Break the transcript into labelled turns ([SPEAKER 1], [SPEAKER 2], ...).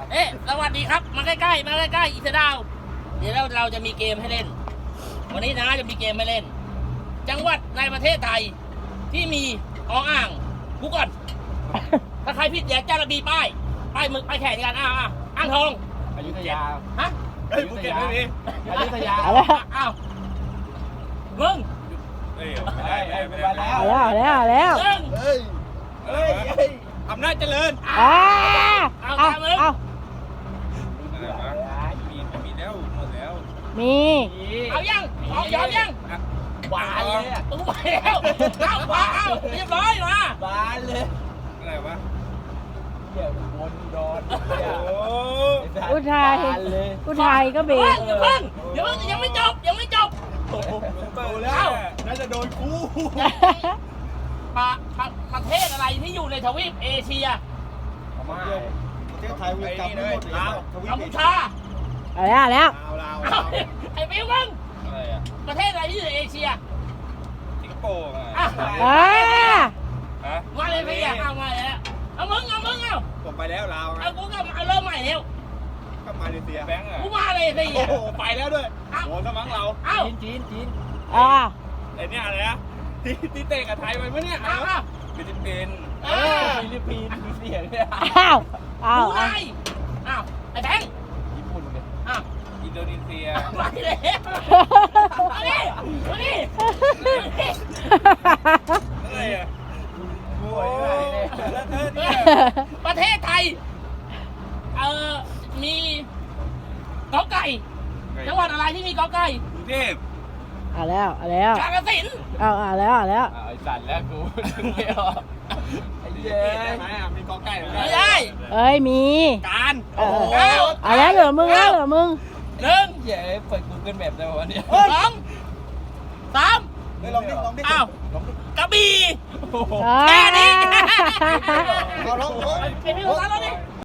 [SPEAKER 1] สวัสดีครับมาใกล้ๆมาใกล้ๆอีเทดาวเดี๋ยวเราจะมีเกมให้เล่นวันนี้นะจะมีเกมให้เล่นจังหวัดในประเทศไทยที่มีอ่างกูก่อนถ้าใครผิดอย่าจะระบีป้ายมึกป้ายแข่งกันอ่างทอง
[SPEAKER 2] อยุธยา
[SPEAKER 1] ฮะ
[SPEAKER 3] เฮ้ยภูเก็ตไม่มี
[SPEAKER 2] อยุธยา
[SPEAKER 1] อ้าวมึง
[SPEAKER 3] เฮ้ยไม่ได้ไม่ได้
[SPEAKER 2] เอาแล้ว
[SPEAKER 1] มึง
[SPEAKER 3] เฮ้ยอำนาจเจริญ
[SPEAKER 1] เอาตามมึง
[SPEAKER 3] อะไรวะมีแล้วหมดแล้ว
[SPEAKER 2] มี
[SPEAKER 1] เอายังยอมยัง
[SPEAKER 2] บานเลย
[SPEAKER 1] ตู้ไปแล้วเอาเรียบร้อยมา
[SPEAKER 2] บานเลย
[SPEAKER 3] อะไรวะ
[SPEAKER 2] เดี๋ยววนดอน
[SPEAKER 3] โอ้
[SPEAKER 2] อุทัยอุทัยก็เบรก
[SPEAKER 1] เพิ่งยังไม่จบ
[SPEAKER 3] โตแล้วน่าจะโดนกู
[SPEAKER 1] ประเทศอะไรที่อยู่ในทวีปเอเชีย
[SPEAKER 3] ประเทศไทยวีกรรมทั้งหมดแล้ว
[SPEAKER 1] กัมพูชา
[SPEAKER 2] เอาแล้ว
[SPEAKER 1] ไอ้ปิ้วมึง
[SPEAKER 3] อะไรอ่ะ
[SPEAKER 1] ประเทศอะไรที่อยู่ในเอเชีย
[SPEAKER 3] สิงคโปร์อ่ะ
[SPEAKER 2] อ่า
[SPEAKER 1] มาเลยพี่เอามาแล้วเอามึงเอา
[SPEAKER 3] ผมไปแล้วลาว
[SPEAKER 1] เอากูก็เอาเริ่มใหม่แล้ว
[SPEAKER 3] ก็มาเลเซียแบงค์อ่ะ
[SPEAKER 1] กูมาเลยสิ
[SPEAKER 3] โอ้โหไปแล้วด้วยโดนสมังเรา
[SPEAKER 1] เอา
[SPEAKER 2] จีน
[SPEAKER 3] ไอ้เนี่ยอะไรนะที่เตะกับไทยไปเมื่อเนี่ยฟิลิปปินส์
[SPEAKER 2] ฟิลิปปินส์เสียงเนี่ย
[SPEAKER 1] ดูไงอ้าวไอ้แบงค์
[SPEAKER 2] ญี่ปุ่นเลย
[SPEAKER 1] อ้าว
[SPEAKER 3] อินโดนีเซีย
[SPEAKER 1] มาเลยมาดิ
[SPEAKER 3] อะไรอ่ะโอ้ยแล้วเธอเนี่ย
[SPEAKER 1] ประเทศไทยมีกอไก่จังหวัดอะไรที่มีกอไก่
[SPEAKER 3] กรุงเทพ
[SPEAKER 2] เอาแล้ว
[SPEAKER 1] กาฬสินธุ์
[SPEAKER 2] เอาแล้ว
[SPEAKER 4] ไอ้สัตว์แล้วกูไม่ออกไอ้เย้
[SPEAKER 3] ได้ไหมอ่ะมีกอไก่ไหม
[SPEAKER 1] ไม่ได้
[SPEAKER 2] เอ้ยมี
[SPEAKER 1] การ
[SPEAKER 2] เอาแล้วเหลือมึง
[SPEAKER 1] หนึ่ง
[SPEAKER 4] เย้เปิด Google Map ได้วันนี้
[SPEAKER 1] สองสาม
[SPEAKER 3] เฮ้ยลองดิ
[SPEAKER 1] อ้าวกระบี่
[SPEAKER 2] แค่
[SPEAKER 1] นี้
[SPEAKER 3] เอาลอง
[SPEAKER 1] เป็นพี่ของเราแล้วดิ